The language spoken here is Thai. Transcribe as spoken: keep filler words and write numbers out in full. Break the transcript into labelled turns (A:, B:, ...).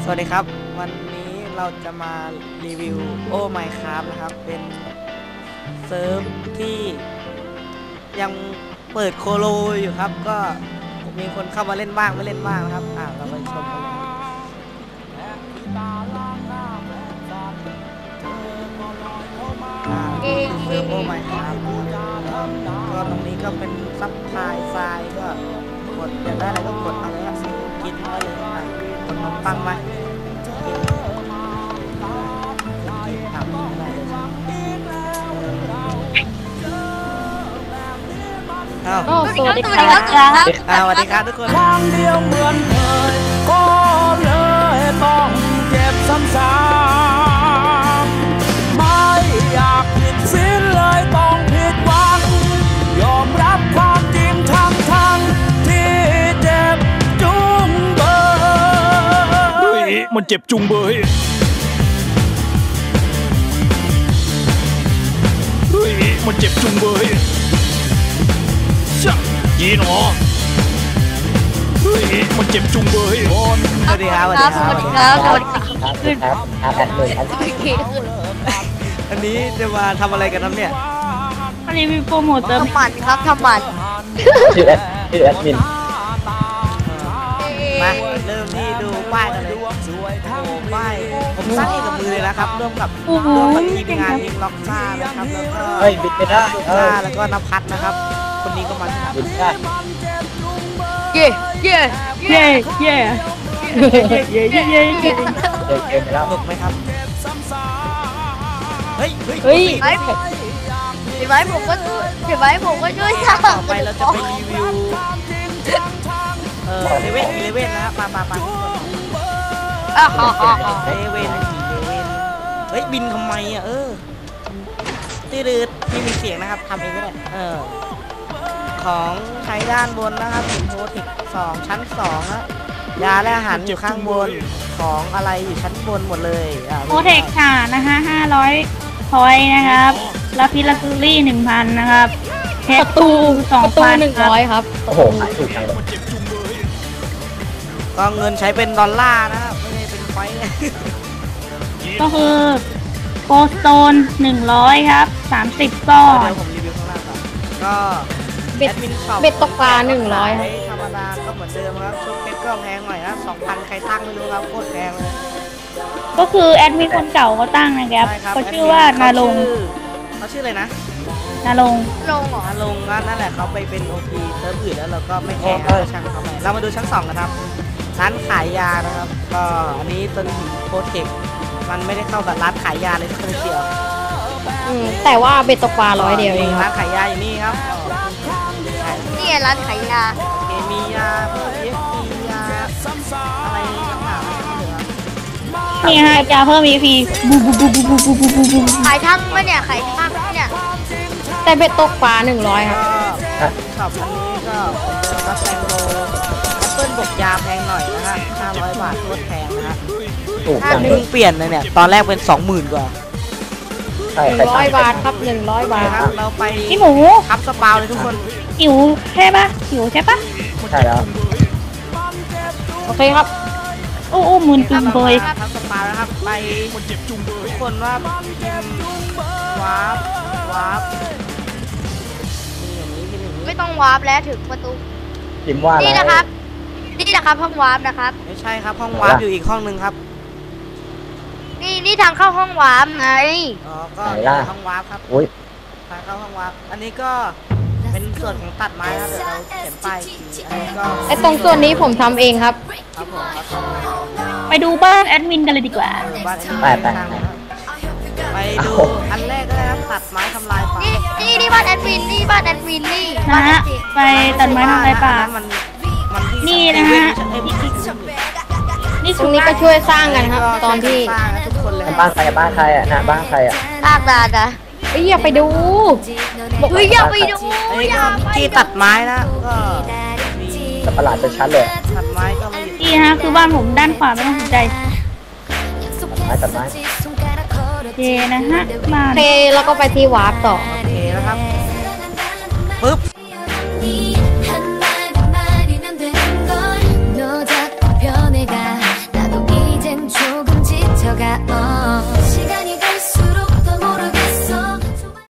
A: สวัสดีครับวันนี้เราจะมารีวิวโอ้ไมน์คราฟนะครับเป็นเซิร์ฟที่ยังเปิดโคโลอยู่ครับก็มีคนเข้ามาเล่นบ้างไม่เล่นบ้างนะครับอ่าเราไปชมกันเลยเซิร์ฟโอ้ไมน์คราฟก็ตรงนี้ก็เป็นซับพลายทรายก็กดอยากได้อะไรก็กดเอาเลยครับกินได้เลยอ่ะขนมปังมา
B: สวัสดีครับ
A: สวัสดีครับทุกคน
C: ทางเดียวเหมือนเคยก็เลยต้องเจ็บซ้ำๆไม่อยากผิดศีลเลยต้องผิดหวังยอมรับความจริงทั้งทั้งที่เจ็บจุงเบยเฮ้ยมันเจ็บจุงเบยเฮ้ยมันเจ็บจุงเบยยีหนอเฮ้ยมันเจ็บจุงเบย
A: สวัสดีครับสวัสดีครับสวัสดีครับสวัสดีครับ
B: ครับแอดมินครับ
A: อันนี้จะมาทำอะไรกันครับเนี่ย
B: อันนี้มีโปรโมทเติมหมันครับทำหมัน
D: ชื่อแอดชื่อแอดมิน
A: มาเริ่มที่ดูป้ายกันเลยโอ้ป้ายผมสร้างเองกับมือเลยนะครับร่วมกับร่วมกับทีมงานทีมล็อกซ่านะครับแล้วก็
D: เฮ้ยบิดไม่ได้
A: ล็อกซ่าแล้วก็นภัสนะครับคนนี้ก็มา
D: บิดได้
B: เย่เย่เย่เย่เย่เย่เย่เย่เย่
D: เกมไปแล้ว
A: สนุกไหมครับเฮ้ยเฮ้ย
B: เฮ้ยเห็นไหมผมก็เห็นไหมผมก็ช่วยสร้าง
A: ต่อไปเราจะไปรีวิวเออเลเว่นเลเว่นนะครับมามามา
B: อ่ะฮ่าฮ่า
A: เลเว่นเลเว่นเฮ้ยบินทำไมอ่ะเออตีดืดที่มีเสียงนะครับทำเองก็ได้เออของใช้ด้านบนนะครับเป็นโพเทคสองชั้นสองนะยาและอาหารอยู่ข้างบนของอะไรอยู่ชั้นบนหมดเลย
B: โพเทคค่ะนะคะห้าร้อยพอยนะครับลาพิลาซูรี่หนึ่งพันนะครับประตูสองพันหนึ่งร้อยครับ
D: โอ้โหขายถูกจังเลย
A: ก็เงินใช้เป็นดอลลาร์นะครับไม่ได้เป็นไฟ
B: ก็คือโกสโตนหนึ่งร้อยครับสามสิบก้อน
A: เดี๋ยวผมรีวิวข้างล่างก่อนก็
B: เบ็ดเบ็ดตกปลาหนึ่งร้อย
A: ธรรมดาก็เหมือนเดิมครับชุดเพชรก็แพงหน่อยนะสองพันใครตั้งไม่รู้ครับโคตรแพงเลย
B: ก็คือแอดมินคนเก่าเขาตั้งนะครับเขาชื่อว่านาลง
A: เขาชื่ออะไรนะ
B: นาลง
A: ลงเหรอนาลงนั่นแหละเขาไปเป็นโอพีเซิร์ฟอื่นแล้วเราก็ไม่แคร์ช่างเขาไปเรามาดูชั้นสองกันครับร้านขายยานะครับก็อันนี้ต้นโพเทคมันไม่ได้เข้ากับร้านขายยาเลยสักนิดเดียว
B: แต่ว่าเบ็ดตกปลาร้อยเดียวเอง
A: ร้านขายยาอยู่นี่ครับ
B: นี่ร้านขายยา
A: เคมียาพวกเอฟพียาอะไรต่างๆ
B: นี่ฮะยาเพิ่ม อี พี บูบูบูบูบูบูบูบูบูขายทั้งมั้ยเนี่ยขายทั้งเนี่ยแต่เบ็ดตกปลาหนึ่งร้อยครับ
A: ช็อปอันนี้ก็เป็นรับแตงโมแอปเปิ้ลบวกยาแพงหน่อยนะฮะห้าร้อยบาทโคตรแพงนะฮะถ้าเพิ่งเปลี่ยนเลยเนี่ยตอนแรกเป็นสองหมื่นกว่า
B: หนึ่งร้อยบาทครับหนึ่งร้อยบาท
A: ครับเราไป
B: พี่หมู
A: ทับสปาวเลยทุกคน
B: หิวใช่ปะหิวใช่ปะ
D: ใช่แล้ว
B: โอเคครับโอ้โอ้หมื่นจุงเบย
A: ทับสปาวนะครับไปทุกคนว่าวาร์ปวาร์ป
B: ไม่ต้องวาร์ปแล้วถึงประตู
D: พิมพ์ว่าอะไร
B: นี่นะครับนี่นะครับห้องวาร์ปนะครับ
A: ไม่ใช่ครับห้องวาร์ปอยู่อีกห้องนึงครับ
B: นี่นี่ทางเข้าห้องวาร์ปไง
A: อ๋อก็ห้องวาร์ปครับ
D: อุ้ย
A: ทางเข้าห้องวาร์ปอันนี้ก็เป็นส่วนของตัดไม้ครับเดี๋ยวเราเขียนป้ายอันนี้ก็
B: ไอตรงส่วนนี้ผมทำเองครับ
A: ครับผม
B: ไปดูบ้านแอดมินกันเลยดีกว่า
D: ไปไป
A: ไปดูอันแรกก็ได้ครับตัดไม้ทำลายป่า
B: นี่นี่บ้านแอดมินนี่บ้านแอดมินนี่นะฮะไปตัดไม้ทำลายป่านี่นะฮะนี่ตรงนี้ก็ช่วยสร้างกันครับตอนที่
D: บ้านใครบ้านใครอ่ะนะบ้านใครอ่ะ
B: ลากดาดะเฮ้ยอย่าไปดูเฮ้ยอย่าไปดู
A: ที่ตัดไม้นะก็
D: มีประหลาดจะชัดเลย
A: ตัดไม้ก็ไม่
B: นี่ฮะคือบ้านผมด้านขวาไม่ต้องสนใจ
D: ไม้ตัดไม้
B: เจนะฮะมาเทแล้วก็ไปที่วาร์ปต่อ
A: เทแล้วครับปึ๊บ
E: が